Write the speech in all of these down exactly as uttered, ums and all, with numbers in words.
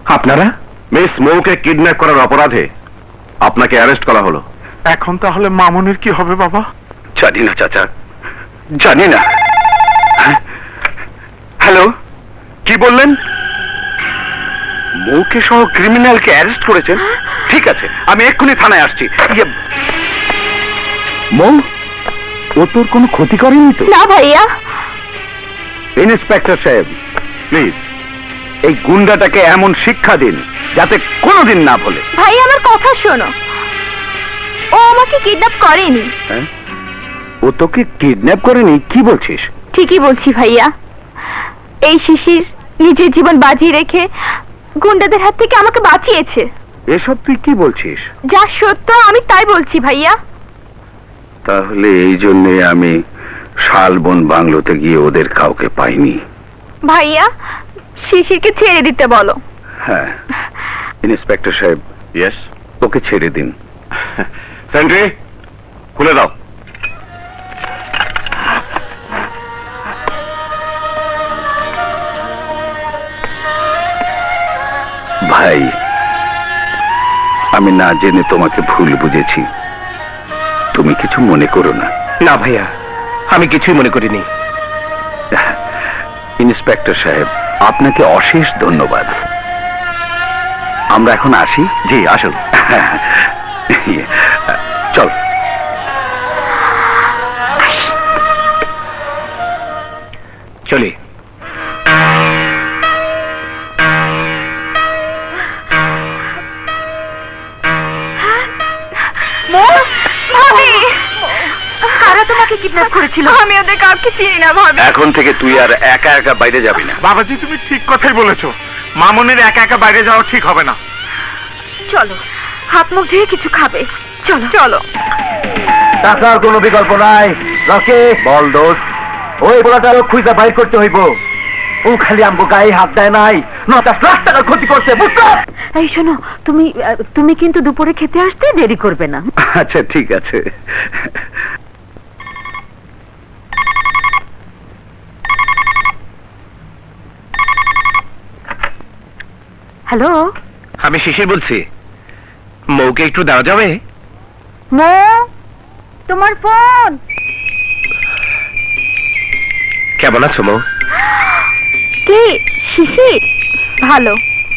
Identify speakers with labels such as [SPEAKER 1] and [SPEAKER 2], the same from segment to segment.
[SPEAKER 1] আপনারা?
[SPEAKER 2] Miss মৌকে kidnap করার অপরাধে আপনাকে অ্যারেস্ট করা হলো।
[SPEAKER 1] এখন তাহলে মামুনের কি হবে বাবা?
[SPEAKER 2] জানি না চাচা, জানি না। হ্যালো, কি বললেন? মৌকে সহ ক্রিমিনালকে অ্যারেস্ট করেছেন? ঠিক আছে, আমি এক্ষুনি থানায় আসছি। মৌ, ও তোর কোনো ক্ষতি করেনি তো?
[SPEAKER 3] না ভাইয়া।
[SPEAKER 2] ইন্সপেক্টর সাহেব, প্লিজ এই গুন্ডাটাকে এমন শিক্ষা দিন যাতে কোনোদিন না বলে।
[SPEAKER 3] ভাই আমার কথা শোনো, ও আমাকে কিডন্যাপ করেনি।
[SPEAKER 2] হ্যাঁ? ও তোকে কিডন্যাপ করেনি? কি বলছিস?
[SPEAKER 3] ঠিকই বলছি ভাইয়া। এই শিশির নিজের জীবন বাজি রেখে গুন্ডাদের হাত থেকে আমাকে বাঁচিয়েছে।
[SPEAKER 2] এসব তুই কি বলছিস?
[SPEAKER 3] যা সত্য আমি তাই বলছি ভাইয়া।
[SPEAKER 2] তাহলে এই জন্যে আমি শালবন বাংলোতে গিয়ে ওদের কাউকে পাইনি।
[SPEAKER 3] ভাইয়া শিশিরকে ছেড়ে দিতে বলো।
[SPEAKER 2] হ্যাঁ ইন্সপেক্টর সাহেব, ইয়েস, ওকে ছেড়ে দিন। সেন্ট্রি খুলে দাও। ভাই, আমি না জেনে তোমাকে ভুল বুঝেছি, তুমি কিছু মনে করো না।
[SPEAKER 1] না ভাইয়া, আমি কিছুই মনে করিনি।
[SPEAKER 2] ইন্সপেক্টর সাহেব, আপনাকে অশেষ ধন্যবাদ। আমরা এখন আসি। জি আসুন। চল।
[SPEAKER 1] চলি।
[SPEAKER 3] কারা তোমাকে কিডন্যাপ করেছিল? আমি ওদের কাউকে চিনি না ভাবি।
[SPEAKER 2] এখন থেকে তুই আর একা একা বাইরে যাবি না।
[SPEAKER 1] বাবাজি তুমি ঠিক কথাই বলেছো, মামুনের একা একা বাইরে যাওয়া ঠিক হবে না।
[SPEAKER 3] চলো হাত মুখ ধুয়ে কিছু খাবে। চলো চলো।
[SPEAKER 2] টাকার কোনো বিকল্প নাই। রকে বল দোষ, ওই বলাটা খুঁজে বাইর করতে হইব। ও খালি আমগো গায়ে হাত দেয় নাই, নটাশ লাখ টাকার ক্ষতি করছে, বুঝছো?
[SPEAKER 3] এই শোনো, তুমি তুমি কিন্তু দুপুরে খেতে আসতে দেরি করবে না।
[SPEAKER 2] আচ্ছা ঠিক আছে।
[SPEAKER 3] হ্যালো,
[SPEAKER 1] আমি শিশির বলছি, মৌকে একটু দেওয়া যাবে?
[SPEAKER 3] মো, তোমার ফোন।
[SPEAKER 1] কেমন আছো মৌ?
[SPEAKER 3] কি শিশির? ভালো।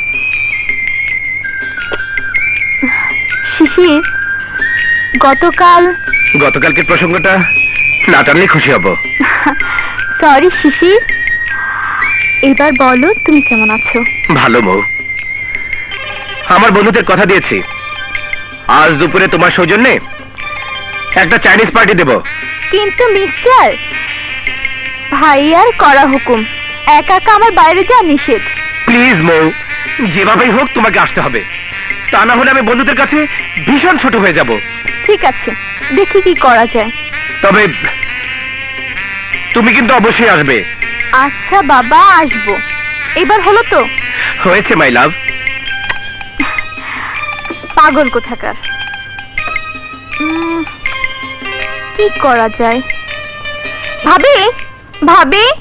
[SPEAKER 3] শিশির, গতকাল
[SPEAKER 1] গতকালকের প্রসঙ্গটা না টানলে খুশি হব।
[SPEAKER 3] সরি শিশির, এবার বলো তুমি কেমন আছো?
[SPEAKER 1] ভালো মৌ, আমার বন্ধুদের কথা দিয়েছি আজ দুপুরে তোমার সৌজন্যে একটা চাইনিজ পার্টি দেব।
[SPEAKER 3] কিন্তু মিস্টার, ভাইয়ার করা হুকুম, একা একা আমার বাইরে যাওয়া নিষেধ।
[SPEAKER 1] প্লিজ মৌ, যেভাবেই হোক তোমাকে আসতে হবে, তা না হলে আমি বন্ধুদের কাছে ভীষণ ছোট হয়ে যাব।
[SPEAKER 3] ঠিক আছে, দেখি কি করা যায়।
[SPEAKER 1] তবে তুমি কিন্তু অবশ্যই আসবে।
[SPEAKER 3] আচ্ছা বাবা, আসবো। এবার হলো তো?
[SPEAKER 1] হয়েছে মাই লাভ।
[SPEAKER 3] পাগল কোথাকার। উম, কি করা যায়? ভাবি, ভাবি